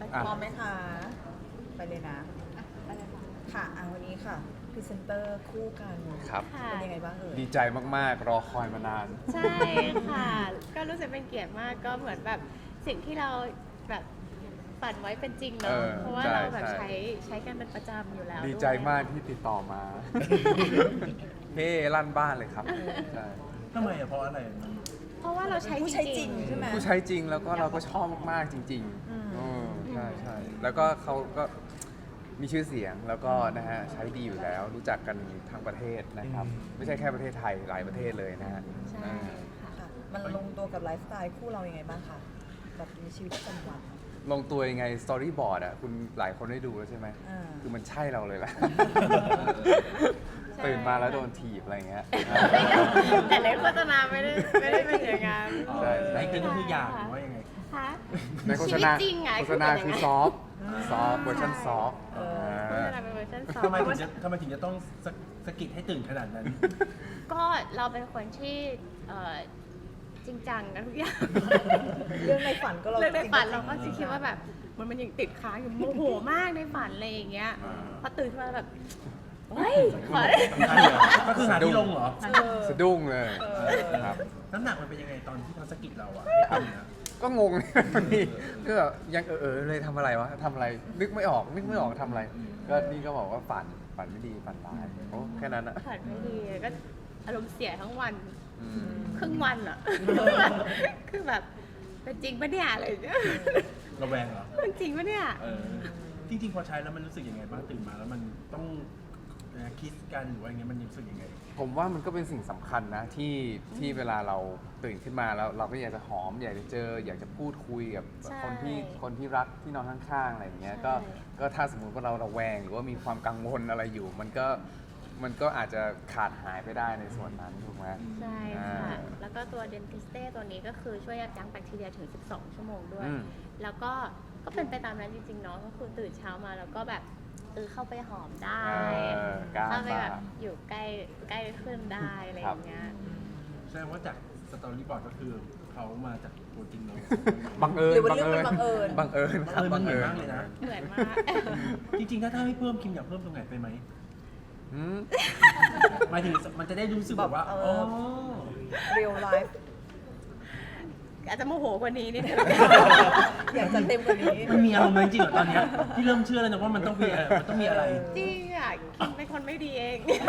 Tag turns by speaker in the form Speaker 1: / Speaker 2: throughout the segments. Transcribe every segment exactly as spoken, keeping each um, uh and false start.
Speaker 1: อ่ะ
Speaker 2: พร้อมไหมคะ ไปเลยนะ ค่ะอ่ะวันนี้ค่ะพรีเซนเตอร์คู่กัน
Speaker 1: ครับ
Speaker 3: ค่ะ
Speaker 2: เป็นยังไงบ้างเอ่ย
Speaker 1: ดีใจมากๆ รอคอยมานาน
Speaker 3: ใช่ค่ะ ก็รู้สึกเป็นเกียรติมากก็เหมือนแบบสิ่งที่เราแบบฝันไว้เป็นจริง
Speaker 1: เอ
Speaker 3: เนาะ
Speaker 1: อ
Speaker 3: เพราะว่า
Speaker 1: ใช่
Speaker 3: เราแบบ
Speaker 1: ใช่
Speaker 3: ใช้ใช้กันเป็นประจำอยู่แล้ว
Speaker 1: ดีใจ
Speaker 3: ด้วย
Speaker 1: มากที่ติดต่อมา เฮ้ลั่นบ้านเลยครับใช่
Speaker 4: ทำไมอะเพราะอะไรมัน
Speaker 3: เพราะว่าเราใช้
Speaker 2: ผู้
Speaker 3: จ
Speaker 2: ใช้จ
Speaker 3: ริ
Speaker 2: ริ
Speaker 3: ง
Speaker 2: ง
Speaker 3: ๆ
Speaker 2: ใช่ไหม
Speaker 1: ผู้ใช้จริงแล้วก็เราก็ชอบมากๆจริง
Speaker 2: อืม
Speaker 1: ๆอืมใช่ใช่แล้วก็เขาก็มีชื่อเสียงแล้วก็นะฮะใช้ดีอยู่แล้ว รู้จักกันทั้งประเทศนะครับ ไม่ใช่แค่ประเทศไทยหลายประเทศเลยนะฮะ
Speaker 3: ใช่
Speaker 1: เออ
Speaker 3: ค่ะ
Speaker 2: ค่ะ มันลงตัวกับไลฟ์สไตล์คู่เรายังไงบ้างคะแบบในชีวิตประจำวัน
Speaker 1: ลงตัวยังไงสตอรี่บอร์ดอ่ะคุณหลายคนได้ดูแล้วใช่ไหม
Speaker 2: อ่า
Speaker 1: คือมันใช่เราเลยแหละ
Speaker 3: ใช่
Speaker 1: ตื่นมาแล้วโดนถีบอะไรเงี้ย
Speaker 3: แต่ในโฆษณาไม่ได้ไม่ได้เป็นอย่างนั้น
Speaker 1: ใช่
Speaker 4: ไอ้เกินก็คืออยากหรือว่ายังไง
Speaker 3: ค่ะ
Speaker 1: ในโฆษณา
Speaker 3: ชีวิตจริงไง
Speaker 1: โฆษณาคือซอฟต์ซอฟต์เวอร์ชันซอฟต์
Speaker 2: เออ
Speaker 3: โฆษณาเป็นเวอร์ชันสอง
Speaker 4: ทำไมถึงจะทำไมถึงจะต้องสะสะกิดให้ตื่นขนาดนั้น
Speaker 3: ก็เราเป็นคนที่เอ่อจริงจังกับทุกอย่าง
Speaker 2: เรื่องในฝันก็เรา
Speaker 3: เรื่องในฝันเรา
Speaker 2: จ
Speaker 3: ก็
Speaker 2: ริง
Speaker 3: จะคิดว่าแบบมันมันยังติดค้างอยู่โมโหมากในฝันอะไรอย่างเงี้ย
Speaker 1: อ่า
Speaker 3: พอตื่นขึ้นมาแบบเฮ้ยฝัน
Speaker 4: ก็คือหาที่ลงเหรอ
Speaker 2: เออ
Speaker 1: สะดุ้งเลย
Speaker 2: เออ
Speaker 1: ครับ
Speaker 4: น้ำหนักมันเป็นยังไงตอนที่เขาสะกิดเราอะให้ตื่นอะ
Speaker 1: ก็งง นี่ก็แบบยังเออเออเลยทำอะไรวะทำอะไร นึกไม่ออก นึกไม่ออกทำอะไร ก็นี่ก็บอกว่าฝัน ฝันไม่ดี ฝันร้ายโอ้แค่นั้นอะ
Speaker 3: ฝันไม่ดีก็อารมณ์เสียทั้งวัน
Speaker 1: อืม
Speaker 3: ครึ่งวันอ่ะ คือแบบเป็นจริงปะเนี่ยอะไรอย่างเงี้ย
Speaker 4: ระแวงเหรอ
Speaker 3: เป็นจริงปะเนี่ย
Speaker 4: เออจริงๆพอใช้แล้วมันรู้สึกยังไงบ้างตื่นมาแล้วมันต้องคิดกันหรือว่าอย่างเงี้ยมันรู้สึกยังไง
Speaker 1: ผมว่ามันก็เป็นสิ่งสำคัญนะที่ที่เวลาเราตื่นขึ้นมาแล้วเราก็อยากจะหอม อยากจะเจอ อยากจะพูดคุยกับ
Speaker 3: ใช่
Speaker 1: คนที่คนที่รักที่นอนข้างๆอะไรอย่างเงี้ย
Speaker 3: ใช่
Speaker 1: ก็ก็ถ้าสมมุติว่าเราระแวงหรือว่ามีความกังวลอะไรอยู่ มันก็มันก็อาจจะขาดหายไปได้ในส่วนนั้นถูกไหม
Speaker 3: ใช่
Speaker 1: อ่า
Speaker 3: ค่ะ แล้วก็ตัวเดนทิสเต้ตัวนี้ก็คือช่วยยับยั้งแบคทีเรียถึง สิบสอง ชั่วโมงด้วย
Speaker 1: อืม
Speaker 3: แล้วก็ก็เป็นไปตามนั้นจริงๆเนาะ ก็คือตื่นเช้ามาแล้วก็แบบเออเข้าไปหอมได้
Speaker 1: เออกล้า
Speaker 3: เข้าไปแบบ
Speaker 1: บ้า
Speaker 3: อยู่ใกล้ใกล้ขึ้นได้อะไรอย่างเงี้ย
Speaker 4: แสดงว่าจากสตอรี่บอร์ดก็คือเขามาจากตัวจริงเรา
Speaker 1: บังเอิญ
Speaker 2: หรือว่าเรื่องมันบังเอิญ
Speaker 1: บังเอิญครับ
Speaker 4: เออมันเหมือนมากเลยนะ
Speaker 3: เหมือนมาก
Speaker 4: จริงๆ ถ้าถ้าให้เพิ่มคิมอยากเพิ่มตรงไหนไปไหม
Speaker 1: อืม
Speaker 4: หมายถึงมันจะได้รู้สึกแบบว่า
Speaker 2: แบบ
Speaker 4: อ๋
Speaker 2: เอ
Speaker 4: อ
Speaker 2: อ เรียลไลฟ์
Speaker 3: อาจจะโมโหกว่านี้นิดนึง
Speaker 2: อยากจะเต็มกว่านี้
Speaker 4: มันมีอารมณ์นั้นจริงเหรอตอนเนี้ยที่เริ่มเชื่อแล้วนะว่ามันต้องมีอะไรมันต้องมีอะไร
Speaker 3: จริงอ่ะคิมเป็นคนไม่ดีเอง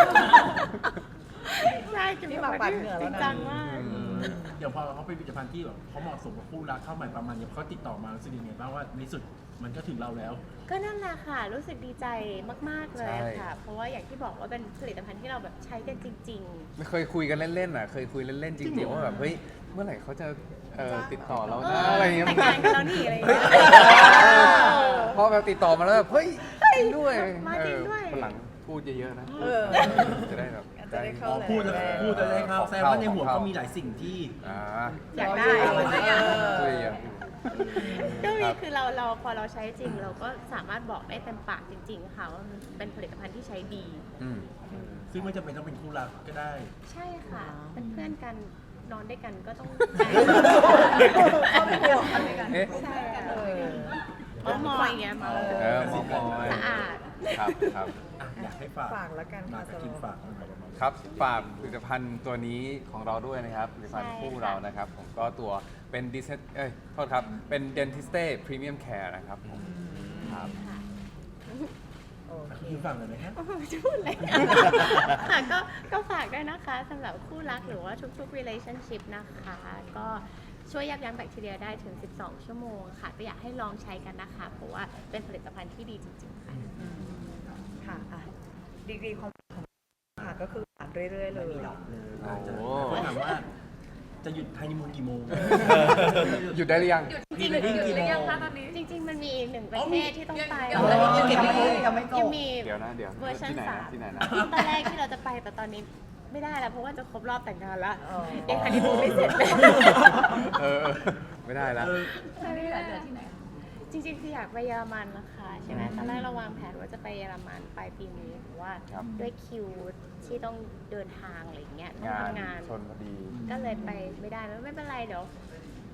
Speaker 3: ใช่คิม
Speaker 2: นี่
Speaker 3: เป็น
Speaker 2: มา
Speaker 3: คน
Speaker 2: ปัด
Speaker 3: ที่
Speaker 2: เหงื่อ
Speaker 3: จ
Speaker 2: แล้
Speaker 3: ริ
Speaker 2: ว
Speaker 3: ง
Speaker 2: นะ
Speaker 3: จังมาก
Speaker 4: เดี๋ยวพอเขาเป็นผลิตภัณฑ์ที่แบบเขาเหมาะสมกับคู่รักเข้าใหม่ประมาณเนี้ยเขาติดต่อมารู้สึกยังไงบ้างว่าในที่สุดมันก็ถึงเราแล้ว
Speaker 3: ก็นั่นแหละค่ะ รู้สึกดีใจมาก ๆ เลย
Speaker 1: ใช่
Speaker 3: ค่ะ เพราะว่าอย่างที่บอกว่าเป็นผลิตภัณฑ์ที่เราแบบใช้กันจริง
Speaker 1: ไม่เคยคุยกันเล่นๆอ่ะ เคยคุยเล่นๆจริงๆว่าแบบเฮ้ย เมื่อไหร่เขาจะเอ่อติดต่อเรา
Speaker 3: ๆ เอ
Speaker 1: นะ
Speaker 3: อ
Speaker 1: อะไรเงี้ย
Speaker 3: แต่งงานกันแล้วนี่อะไรอย่าง
Speaker 1: เฮ้ย
Speaker 3: เงี้ย
Speaker 1: พอแบบติดต่อมาแล้วแบบเฮ้ยจริงด้วย
Speaker 3: มาจริงด้วย
Speaker 1: เออวันหลังพูดเยอะๆนะ
Speaker 2: เออ
Speaker 1: จะได้แบบ
Speaker 2: จะได้เข้า
Speaker 4: อ๋อพูดแล้วพูดแล้วได้ครับแสดงว่าในหัวก็มีหลายสิ่งที่
Speaker 1: อ่า
Speaker 3: อยากได้
Speaker 2: เออ
Speaker 1: พูดเยอะ
Speaker 3: ก็มีคือเราเราพอเราใช้จริงเราก็สามารถบอกได้เต็มปากจริง ๆ ค่ะว่ามันเป็นผลิตภัณฑ์ที่ใช้ดี
Speaker 1: อืม
Speaker 4: ซึ่งไม่จำเป็นต้องเป็นคู่รักก็ได้
Speaker 3: ใช่ค่ะ เป็นเพื่อนกันนอนด้วยกันก็ต้อง
Speaker 2: เข้าไปเดียวกันเลยกัน
Speaker 1: เอ๊ะ
Speaker 3: ใช่ค่ะ
Speaker 2: เออ
Speaker 3: เมามอยอย่างเงี้ยเมา
Speaker 1: เออมอมอย
Speaker 3: สะอาด
Speaker 1: ครับครับ
Speaker 4: อ่ะอยากให้ฝาก
Speaker 2: ฝากแล้วกัน
Speaker 4: มา
Speaker 2: ค่ะ
Speaker 4: กับคิม
Speaker 2: สำหรับ
Speaker 4: ฝากหน่อย
Speaker 1: ครับฝากผลิตภัณฑ์ตัวนี้ของเราด้วยนะครับผลิตภัณฑ์
Speaker 3: ใช่
Speaker 1: คู่
Speaker 3: ค่ะ
Speaker 1: เรานะครับ ผมก็ตัวเป็นดิสเอ้ยโทษครับ เป็น Dentiste Premium Care นะครับผมครับ
Speaker 3: ค่ะ
Speaker 2: โอเค
Speaker 4: คิมฝากหน่อยไหมครับ
Speaker 3: จะพูดอะไรค่ะก็ก็ฝากด้วยนะคะสำหรับคู่รักหรือว่าทุกๆ relationship นะคะ ก็ช่วยยับยั้งแบคทีเรียได้ถึง สิบสอง ชั่วโมงค่ะ ก็อยากให้ลองใช้กันนะคะ เพราะว่าเป็นผลิตภัณฑ์ที่ดีจริงๆค่ะ
Speaker 2: อืมค่ะอ่ะดีกรีความของค่ะก็คือผ่านเรื่อยๆเลย
Speaker 1: โอ้โห
Speaker 4: เขาถามว่าจะหยุดฮันนีมูนกี่โมง
Speaker 1: หยุดได้หรือยัง
Speaker 4: พรีเวดดิ้งกี่โมง
Speaker 3: จริง ๆ มันมีอีกหนึ่งประเทศที่ต้องไป
Speaker 2: ยังไม่ยังไม่ยังไม่จ
Speaker 3: ยั
Speaker 2: บ
Speaker 3: งมี
Speaker 1: เดี๋ยวนะ เดี๋ยว
Speaker 3: เวอร์ชัน
Speaker 1: ที่ไหน
Speaker 3: สา
Speaker 1: นะ
Speaker 3: ม
Speaker 1: ที่ไหนนะ
Speaker 3: ตอนแรกที่เราจะไปแต่ตอนนี้ไม่ได้แล้วเพราะว่าจะครบรอบแต่งงานแล้ว
Speaker 2: อ๋อ
Speaker 3: ยังฮันนีมูนไม่เสร็จเลย
Speaker 1: เออเออไม่ได้แล้ว
Speaker 4: เออ
Speaker 3: จริงๆคืออยากไปเยอรมันนะคะใช่ไหมตอนแรกเราวางแผนว่าจะไปเยอรมันปลายปีนี้เพราะว่า
Speaker 1: ครับ
Speaker 3: ด้วยคิวที่ต้องเดินทางอะไรอย่างเงี้ยต้อง
Speaker 1: งาน
Speaker 3: ทำงาน
Speaker 1: ชนพอดี
Speaker 3: ก็เลยไปไม่ได้แล้วไม่เป็นไรเดี๋ยว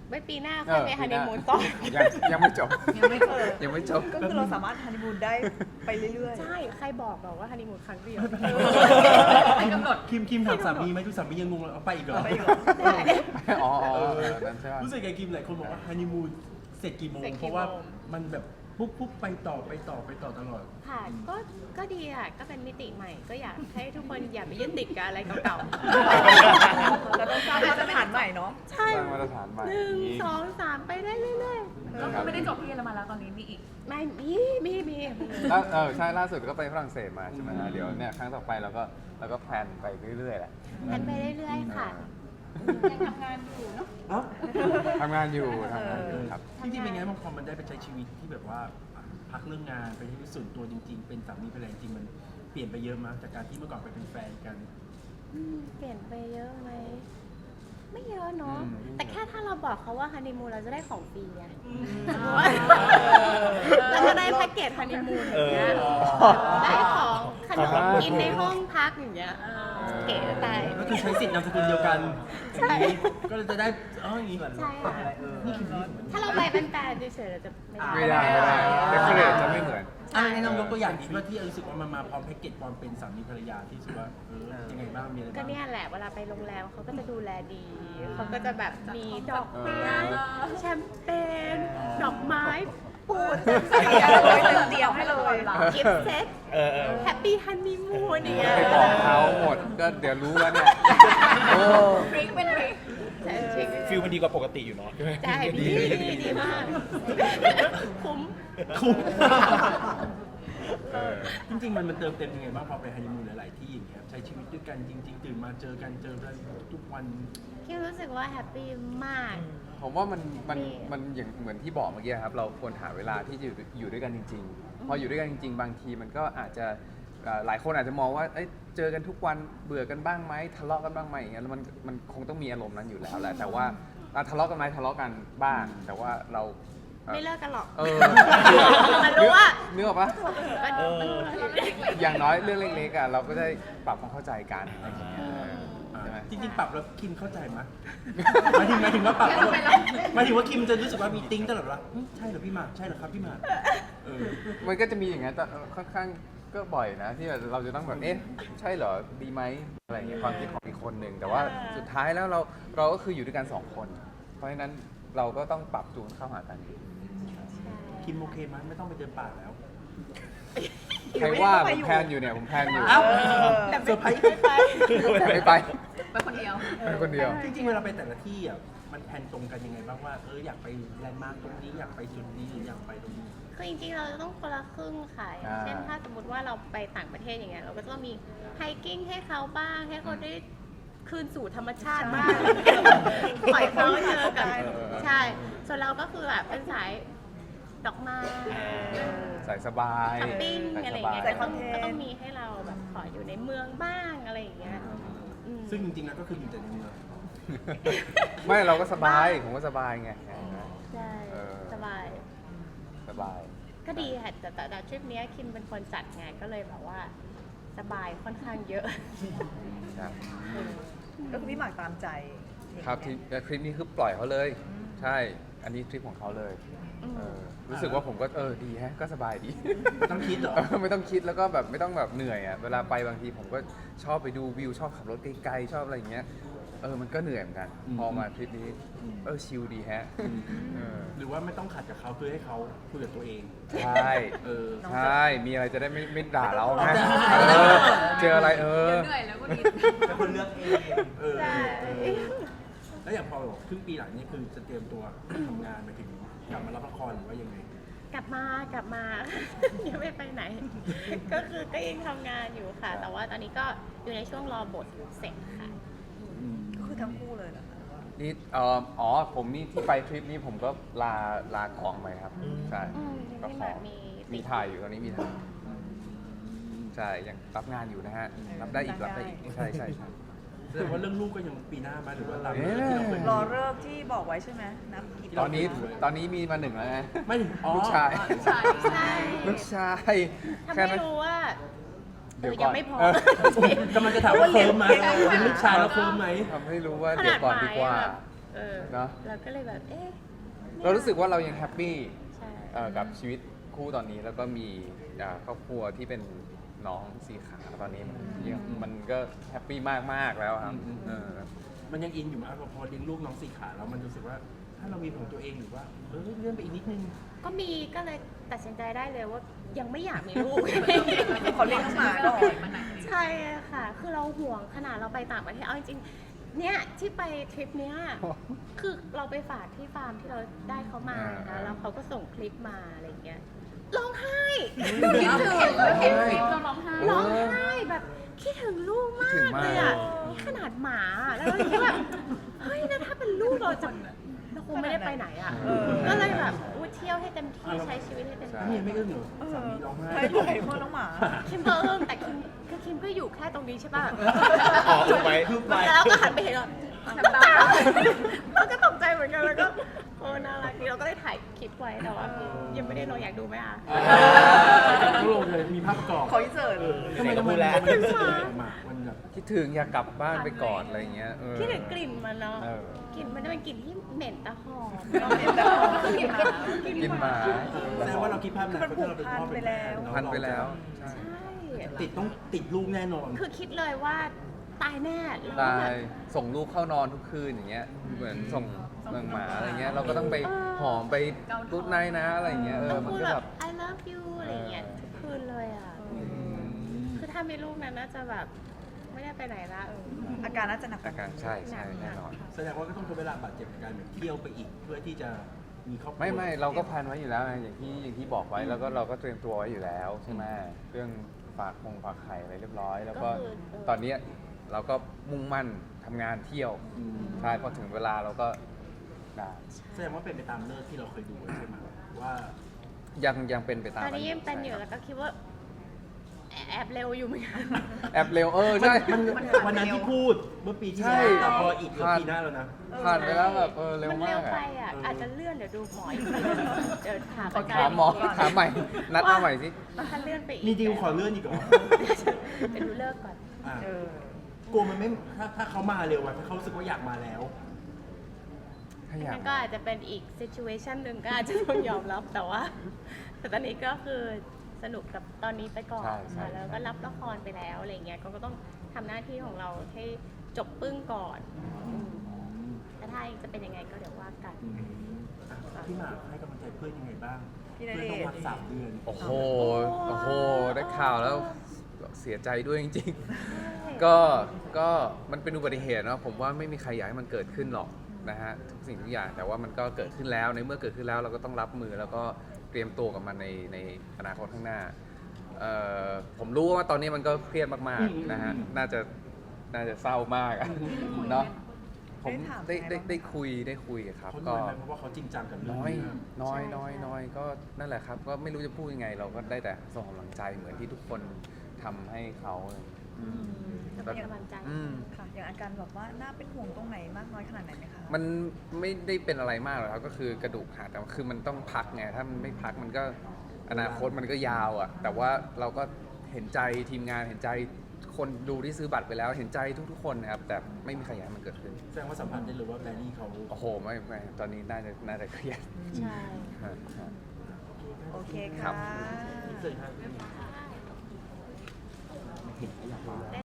Speaker 3: ไว้ปีหน้าค่อยไปฮันนีมูนต่อ
Speaker 1: ยังยังไม่จบ
Speaker 2: ยังไม่เกิด
Speaker 1: ยังไม่จบ
Speaker 2: ก็คือเราสามารถฮันนีมูนได้ไปเรื่อยๆ
Speaker 3: ใช่ ใครบอกบอกว่าฮันนีมูนครั้งเดียว
Speaker 2: ไม่กำหนด
Speaker 4: คิมคิมถามสามีไหมทุกสามียังงงเลยเอาไปอีกเหรอ
Speaker 2: เอาไปอีกเหรอ
Speaker 1: อ๋ออ๋อเออนั่นใช่ไหม
Speaker 4: รู้สึกไงคิมหลายคนบอกว่าฮันนีมูนเสร็จกี่โมง
Speaker 3: เสร็จกี่โมง
Speaker 4: เพราะว่ามันแบบปุ๊บปุ๊บไปต่อไปต่อไปต่อตลอด
Speaker 3: ค่ะก็ก็ดีอ่ะ ก็เป็นมิติใหม่ ก็อยากให้ทุกคนอย่าไปยึดติดกับอะไรเก่า
Speaker 2: เราต้องสร้างมาตรฐานใหม่เนาะ
Speaker 3: ๆ ใช่
Speaker 1: สร้างมาตรฐานใหม่
Speaker 3: หนึ่งสองสามไปได้เรื่อย
Speaker 2: ก็คือไม่ได้จบที่เยอรมันแล้วตอนนี้มีอีก
Speaker 3: ๆ ไม่มีมีมี
Speaker 1: แล้วเออใช่ล่าสุดก็ไปฝรั่งเศสมาใช่ไหมฮะเดี๋ยวเนี่ยครั้งต่อไปเราก็เราก็แพลนไปเรื่อยๆแหละ
Speaker 3: แพนไปเรื่อยๆ ค่ะ
Speaker 2: ยังทำงานอยู่เนาะ
Speaker 4: เอ้า
Speaker 1: ทำงานอยู่ทำงานอยู่ครับ
Speaker 4: จริงๆเป็นไงบางคนมันได้ไปใช้ชีวิตที่แบบว่าพักเรื่องงานไปที่ส่วนตัวจริง ๆ เป็นสามีภรรยาจริงมันเปลี่ยนไปเยอะมากจากการที่เมื่อก่อนไปเป็นแฟนกัน
Speaker 3: อืมเปลี่ยนไปเยอะไหม ไม่เยอะเนาะ
Speaker 1: อืม
Speaker 3: แต่แค่ถ้าเราบอกเขาว่าฮันนีมูนเราจะได้ของฟรีไง
Speaker 2: อ
Speaker 3: เราจะได้แพ็กเกจฮันนีมูนอย่างเงี้ยได้ของขนมกินในห้องพักอย่างเงี้ยเก๋ตาย
Speaker 4: ก็คือใช้สิทธิ์นามสกุลเดียวกัน
Speaker 3: ใช่
Speaker 4: อย่างนี้ก็เลยจะได้อ๋ออย่างนี้
Speaker 3: ใช่ค่ะถ้าเราไปเป็นแฟนเฉยๆเราจะไม่
Speaker 1: ไม่ได้ไม่ได้เดคอเรทจะไม่เหมือน
Speaker 4: อ่ะให้น้องยกตัวอย่างดีว่าที่รู้สึกว่ามันมาพร้อมแพ็กเกจความเป็นสามีภรรยาที่รู้สึกว่าเออยังไงบ้างมีอะไร
Speaker 3: ก็
Speaker 4: บ้าง
Speaker 3: เนี่ยแหละเวลาไปโรงแรมเขาก็จะดูแลดี เขาก็จะแบบมีดอกไม้แชมเปญดอกไม้ปูน
Speaker 2: เตรียมให้เลย
Speaker 3: กิฟต์เซ็ตแฮปปี้ฮันนีมูนอย่างเงี้ย
Speaker 1: ไปบอกเขาหมดก็เดี๋ยวรู้แล้วเนี่ยโอ้
Speaker 2: พริกเป็นพริก
Speaker 3: ใช่จริง
Speaker 5: ฟิลมันดีกว่าปกติอยู่เนาะ
Speaker 3: ใช่ดีดีดีมากคุ้ม
Speaker 4: คุ้ม
Speaker 1: เออ
Speaker 4: จริงๆมันมันเติมเต็มยังไงบ้างพอไปฮันนีมูนหลาย ๆ ที่อย่างเงี้ยใช้ชีวิตด้วยกันจริง ๆ ตื่นมาเจอกันเจอกันทุกวัน
Speaker 3: คิดรู้สึกว่าแฮปปี้มาก
Speaker 1: ผมว่ามันมัน
Speaker 3: ดี
Speaker 1: มันอย่างเหมือนที่บอกเมื่อกี้ครับ เราควรหาเวลาที่จะอยู่อยู่ด้วยกันจริง ๆ พออยู่ด้วยกันจริง ๆ บางทีมันก็อาจจะเอ่อหลายคนอาจจะมองว่าเอ้ยเจอกันทุกวันเบื่อกันบ้างไหมทะเลาะกันบ้างไหมอย่างเงี้ยแล้วมันมันคงต้องมีอารมณ์นั้นอยู่แล้วแหละแต่ว่าอ่ะทะเลาะกันไหมทะเลาะกันบ้าง แต่ว่าเราอ่อ
Speaker 3: ไม่เลิกกันหรอก
Speaker 1: เออ
Speaker 3: มันรู้ว่า
Speaker 1: เนื้ออกปะ
Speaker 3: ก็
Speaker 1: อย่างน้อยเรื่องเล็กๆอ่ะเราก็ได้ปรับความเข้าใจกันอะไรอย่างเงี้ยเออใช่ไหม
Speaker 4: จริง ๆ ปรับแล้วคิมเข้าใจไหมหมายถึงหมายถึงว่าปรับแล้วหมายถึงว่าคิมจะรู้สึกว่ามีติ้งตลอดว่าหึใช่เหรอพี่หมากใช่เหรอครับพี่หมากเออ
Speaker 1: มันก็จะมีอย่างนั้นแต่ค่อนข้างก็บ่อยนะที่แบบเราจะต้องแบบเอ๊ะใช่เหรอดีไหมอะไรอย่างเงี้ยความคิดของอีกคนหนึ่งแต่ว่าสุดท้ายแล้วเราเราก็คืออยู่ด้วยกันสองคน เพราะฉะนั้นเราก็ต้องปรับจูนเข้าหากัน
Speaker 4: คิมโอเคไหมไม่ต้องไปเดินป่าแล้ว
Speaker 1: ใครว่าผมแพลนอยู่เนี่ยผมแพลนอยู่
Speaker 4: เอ้า
Speaker 2: แต่
Speaker 4: เซอร์ไพรส์
Speaker 1: ไม่ไป
Speaker 2: ไปคนเดียว
Speaker 1: ไปคนเดียว
Speaker 4: จริงๆเวลาไปแต่ละที่อ่ะมันแพลนตรงกันยังไงบ้างว่าเอออยากไปแลนด์มาร์คตรงนี้อยากไปจุดนี้หรืออยากไปตรงนี้
Speaker 3: คือจริงๆ เราจะต้องคนละครึ่งค่ะอย่างเช่นถ้าสมมติว่าเราไปต่างประเทศอย่างเงี้ยเราก็จะต้องมีไฮกิ้งให้เขาบ้าง ให้เขาได้คืนสู่ธรรมชาติบ้างปล่อยเขาเจอกับใช่ ส่วนเราก็คือแบบเป็นสายดอกไม้
Speaker 1: ใส่สบาย
Speaker 3: ช้อปปิ้ง
Speaker 1: ใส่
Speaker 3: อะไร
Speaker 1: ส
Speaker 3: อย่าง
Speaker 1: บาย
Speaker 3: เงี้ยก็ต้องก็ต้องมีให้เราแบบขออยู่ในเมืองบ้างอะไรอย่างเงี้ยอืม
Speaker 4: ซึ่งจริงๆแล้วก็คืออยู่แต่ในเมือง
Speaker 1: ไม่เราก็สบายผมก็สบายไง
Speaker 3: ใช่
Speaker 1: เออ
Speaker 3: สบาย
Speaker 1: สบาย
Speaker 3: ก็ดีค่ะแต่แต่แต่ทริปเนี้ยคิมเป็นคนจัดไงก็เลยแบบว่าสบายค่อนข้างเยอะ
Speaker 1: ครับ
Speaker 2: ก็คือพี่หมากตามใจ
Speaker 1: ครับที่คลิปนี้คือปล่อยเขาเลย ใช่ อันนี้ทริปของเขาเลย
Speaker 3: อืม
Speaker 1: เออรู้สึกว่าผมก็เออดีแฮะก็สบายดี
Speaker 4: ต้องคิดเหรอ
Speaker 1: เออไม่ต้องคิดแล้วก็แบบไม่ต้องแบบเหนื่อยอ่ะเวลาไปบางทีผมก็ชอบไปดูวิวชอบขับรถไกลๆชอบอะไรอย่างเงี้ยเออมันก็เหนื่อยเหมือนกัน
Speaker 4: อืม
Speaker 1: พอมาทริปนี้
Speaker 4: อืม
Speaker 1: เออชิลดีแฮะเออ
Speaker 4: หรือว่าไม่ต้องขัดกับเขาเพื่อให้เขาคุยกับตัวเอง
Speaker 1: ใช่
Speaker 4: เออ
Speaker 1: ใช่มีอะไรจะได้ไม่ไม่ด่าเราไง
Speaker 4: ไม่
Speaker 1: เอ
Speaker 4: ต้อง
Speaker 1: อเจออะไรเออ
Speaker 2: เหนื่อยแล้วก็ดี
Speaker 4: เป็นคนเลือกเองเออ
Speaker 3: ใช่
Speaker 4: แล้วอย่างพอบอกครึ่งปีหลังนี่คือจะเตรียมตัว ทำงานไปถึงกลับมารับละครหรือว่ายังไง
Speaker 3: กลับมากลับมา ยังไม่ไปไหน ก็คือก็ยังทำงานอยู่ค่ะ แต่ว่าตอนนี้ก็อยู่ในช่วงรอบทเสร็จค่ะ
Speaker 2: ก็คือทั้งคู่เลยเหรอคะ
Speaker 1: นี่เอ่ออ๋อผมนี่ที่ไปทริปนี้ผมก็ลาลาของไปครับใช่
Speaker 3: อืม
Speaker 1: ก็
Speaker 3: ที่
Speaker 1: ข
Speaker 3: แบ
Speaker 1: อบ
Speaker 3: มี
Speaker 1: มีถ่ายอยู่ตอนนี้มีถ่ายใช่ยังรับงานอยู่นะฮะรับได้อีกรับได้อีกใช่ใช่ใช่
Speaker 4: แสดงว่าเรื่องลูกก็ยังปีหน้ามาหรือว่าตาม
Speaker 1: เอ๊ะ
Speaker 4: ที่เราเคย
Speaker 2: รอเลิกที่บอกไว้ใช่ไหมนับกี่
Speaker 1: ตอนนี้ตอนนี้มีมาหนึ่งแล้วไง
Speaker 4: ไม่ถึงอ๋อ
Speaker 1: ลูกชาย
Speaker 3: ใช่ใช่
Speaker 1: ลูกชาย
Speaker 3: ถ้า
Speaker 1: แค่
Speaker 3: ไม่
Speaker 1: นั้น
Speaker 3: รู้ว่าเอ
Speaker 1: เดี๋ยว
Speaker 3: อ
Speaker 1: ก่
Speaker 3: ยั
Speaker 1: อน
Speaker 3: งไม่พอ
Speaker 1: เออ
Speaker 4: กำลังจะถามว่าเฟิร์มไหมเป็นลูกชายแล้วเฟิร์มไหม
Speaker 1: ทำให้รู้ว่า
Speaker 3: ข
Speaker 1: เดี๋ย
Speaker 3: นาว ด
Speaker 1: ก่อน
Speaker 3: ห
Speaker 1: ดี
Speaker 3: มาย
Speaker 1: กว่า
Speaker 3: อะเออ
Speaker 1: เนอะ
Speaker 3: เราก็เลยแบบเอ๊ะนี่ย
Speaker 1: เรารู้สึกว่าเรายังแฮปปี้
Speaker 3: ใช่
Speaker 1: เอ่อกับชีวิตคู่ตอนนี้แล้วก็มีอ่าครอบครัวที่เป็นน้องสีขาตอนนี้มันยังมันก็แฮปปี้มากๆแล้วครับเออ
Speaker 4: มันยังอินอยู่มากพอเลี้ยงลูกน้องสี่ขาแล้วมันรู้สึกว่าถ้าเรามีของตัวเองหรือว่าเออเลื่อนไปอีกนิดนึง
Speaker 3: ก็มีก็เลยตัดสินใจได้เลยว่ายังไม่อยากมีลูก
Speaker 2: เขาเลี้ยงน้องหมาก่อน
Speaker 3: ใช่ค่ะ คือเราห่วงขนาดเราไปต่างประเทศเอาจริงๆเนี่ยที่ไปทริปเนี้ยคือเราไปฝากที่ฟาร์มที่เราได้เขามา
Speaker 1: อ่า
Speaker 3: นะแล้วเขาก็ส่งคลิปมาอะไรอย่างเงี้ยร้องไห้
Speaker 2: คิดถึง
Speaker 3: เห็น
Speaker 1: เฮ้ย
Speaker 3: เห็นคลิปเราร้องไห้ร้องไห้แบบคิดถึงลูกมา
Speaker 1: คิดถึ
Speaker 3: ก
Speaker 1: งมาก
Speaker 3: เลยอ่ะนี่ขนาดหมาแล้วเราคิดแบบเฮ้ยนะถ้าเป็นลูกเราจะเราคงไม่ได้ไปไหนอ่ะ
Speaker 2: เออ
Speaker 3: ก็เลยแบบอุ๊ยเที่ยวให้เต็มที่ใช้ชีวิตให้เต็ม
Speaker 1: ใช่
Speaker 3: ที่
Speaker 4: นี่ยังไม่อึ้งเหรอสามีร้องไห้
Speaker 2: ใช่ด้วยเพราะน้องหมา
Speaker 3: คิมก็เอิงแต่คิมคือคิมก็อยู่แค่ตรงนี้ใช่ป่ะ
Speaker 1: อ๋อถูกไหม
Speaker 3: แล้วก็หันไปเห็นเราน้ำตาเราก็ตกใจเหมือนกันแล้วก็โอ้น่ารักดีเราก็ได้ถ่ายคลิปไว้แต่ว่ายังไม่ได้ลงอยากดูไหมอ่ะ
Speaker 4: ต้องลงเลยมีภาพประกอบ
Speaker 2: ขออินเสิร์ต
Speaker 4: เออทำไมทำไมมันมันแสดงออกมามันแบบ
Speaker 1: คิดถึงอยากกลับบ้านไปก่อนอะไรเงี้ยเออ
Speaker 3: คิดถึงกลิ่นมันเนาะ
Speaker 1: เออ
Speaker 3: กลิ่นมันจะเป็นกลิ่นที่เหม็นแต่หอม
Speaker 2: เหม็นแต่หอม
Speaker 3: กลิ่นหมา
Speaker 1: กินหมา
Speaker 4: แสดงว่าเราคิดภาพ
Speaker 2: คือมันผูกพันไปแล้ว
Speaker 1: พันไปแล้วใช่
Speaker 3: ใช่
Speaker 4: ติดต้องติดลูกแน่นอน
Speaker 3: คือคิดเลยว่าตายแน่แล้ว
Speaker 1: ตา
Speaker 3: แบ
Speaker 1: ย
Speaker 3: บ
Speaker 1: ส่งลูกเข้านอนทุกคืนอย่างเงี้ยเหมือนส่งเมืองหมาอะไรเงี้ยเราก็ต้องไปหอมไปรูดไนท์นะอะไรเงี้ยเอ
Speaker 3: ต้
Speaker 1: อ
Speaker 3: อง
Speaker 1: มัน
Speaker 3: พูด
Speaker 1: ก็
Speaker 3: แบ
Speaker 1: แบบ บ
Speaker 3: I love you อะไรอย่างเงี้ยทุกคืนเลยอ่ะ คือถ้ามีลูกนั้นน่าจะแบบไม่ได้ไปไหนละเออ
Speaker 2: อาการน่าจะหนักก
Speaker 1: อา
Speaker 2: ว่า
Speaker 1: การใช่ใช่แน่นอน
Speaker 4: แสดงว่าก็ต้องใช้เวลาบาดเจ็บกับการแบบเที่ยวไปอีก เพื่อที่จะมีครอบครัว
Speaker 1: ไม่ไม่เราก็แพลนไว้อยู่แล้วไงอย่างที่อย่างที่บอกไว้แล้วก็เราก็เตรียมตัวไว้อยู่แล้วใช่ไหมเรื่องฝากคงฝากไข่อะไรเรียบร้อย แล้วก็
Speaker 3: ก็คือเออ
Speaker 1: ตอนเนี้ยเราก็มุ่งมั่นทำงานเที่ยว
Speaker 4: อืม
Speaker 1: ใช่พอถึงเวลาเราก็ได้
Speaker 4: แสดงว่าเป็นไปตามเลิกที่เราเคยดูไว้ใช่ไหมว่า
Speaker 1: ยังยังเป็นไปตาม
Speaker 3: ตอนนี้ยังเป็นอยู่
Speaker 1: ใช่
Speaker 3: แล้วก็คิดว่าแอบแอบเร็วอยู่เหมือนกัน
Speaker 1: แอบเร็วเออใช่
Speaker 4: มันวันนั้นที่พูดเมื่อปีที่
Speaker 1: ใช่
Speaker 4: แล้วแต่พออีกเกือบปีหน้าแล้วนะ
Speaker 1: ผ่านไปแล้วแบบเออเร็ว
Speaker 3: มัน
Speaker 1: มา
Speaker 3: เร็ว
Speaker 1: ก
Speaker 3: ไป
Speaker 1: อะ
Speaker 3: อ่ะ
Speaker 4: เอออ
Speaker 3: อาจจะเลื่อนเดี๋ยวดูหมออีกทีเดี๋ยวถาม
Speaker 1: ถามหมอถามใหม่ นัดมาใหม่สิ
Speaker 3: ว่าถ้าเลื่อนไปอีก
Speaker 4: มีดีลขอเลื่อนอีกเหรอ
Speaker 3: เดี๋ยวดูเลิกก่อน
Speaker 4: อ่ะ
Speaker 2: เออ
Speaker 4: กลัวมันไม่ถ้าถ้าเขามาเร็วอะถ้าเขารู้สึกว่าอยากมาแล้ว
Speaker 1: ถ้าอยาก
Speaker 3: นั่นก็อาจจะเป็นอีก situation หนึ่งก็อาจจะต้องยอมรับแต่ว่า แต่ตอนนี้ก็คือสนุกกับตอนนี้ไปก่อน
Speaker 1: ใช่ใช่
Speaker 3: ค่ะแล้วก็รับละครไปแล้วอะไรเงี้ยก็ก็ต้องทำหน้าที่ของเราให้จบปึ้งก่อนอืมแล้วถ้าจะเป็นยังไงก็เดี๋ยวว่ากัน
Speaker 4: อืมอ่ะพี่หมากให้กำลังใจเพื่อนยังไงบ้าง
Speaker 2: พี่ณ
Speaker 4: เพื่อน
Speaker 2: เดชน์
Speaker 4: ต้องพักสามเดือน
Speaker 1: โอ้โห โอ้โห ได้ข่าวแล้วเสียใจด้วยจริงๆ ก็ ก็มันเป็นอุบัติเหตุเนาะ ผมว่าไม่มีใครอยากให้มันเกิดขึ้นหรอกนะฮะ ทุกสิ่งทุกอย่าง แต่ว่ามันก็เกิดขึ้นแล้ว ในเมื่อเกิดขึ้นแล้วเราก็ต้องรับมือแล้วก็เตรียมตัวกับมันในในอนาคตข้างหน้าเอ่อผมรู้ว่าตอนนี้มันก็เครียดมากๆนะฮะ น่าจะ น่าจะเศร้ามากอะเนาะ ผมได้ได้ได้คุยได้คุยครับ
Speaker 4: เขา
Speaker 1: ก็
Speaker 4: น้อยไหมเพราะว่าเขาจริงจังกับเรื่อง
Speaker 1: น้อย
Speaker 4: นี้มาก
Speaker 1: น้อย
Speaker 3: ใช่
Speaker 1: น้อย
Speaker 3: ใช่
Speaker 1: น้อยก็นั่นแหละครับ ก็ไม่รู้จะพูดยังไง เราก็ได้แต่ส่งกำลังใจเหมือนที่ทุกคนทำให้เขาอะไรอย่างเงี้ย
Speaker 4: อืม
Speaker 3: จะเป็นกำลังใจ
Speaker 1: อืม
Speaker 2: ค่ะ อย่างอาการแบบว่าน่าเป็นห่วงตรงไหนมากน้อยขนาดไหนไหมคะ
Speaker 1: มันไม่ได้เป็นอะไรมากหรอกครับ ก็คือกระดูกหักแต่ว่าคือมันต้องพักไง ถ้ามันไม่พักมันก็อนาคตมันก็ยาวอ่ะ แต่ว่าเราก็เห็นใจทีมงานเห็นใจคนดูที่ซื้อบัตรไปแล้ว เห็นใจทุกๆคนนะครับ แต่ไม่มีใครอยากให้มันเกิดขึ้น
Speaker 4: แสดงว่าสัมผัสได้เลยว่าแบรี่เขา
Speaker 1: โอ้โห ไม่ไม่ตอนนี้น่าจะน่าจะเครียด
Speaker 3: ใช่
Speaker 1: ฮะฮะ
Speaker 2: โอเค
Speaker 1: ครั
Speaker 2: ค่ะ
Speaker 1: บ
Speaker 4: เสร็จครับ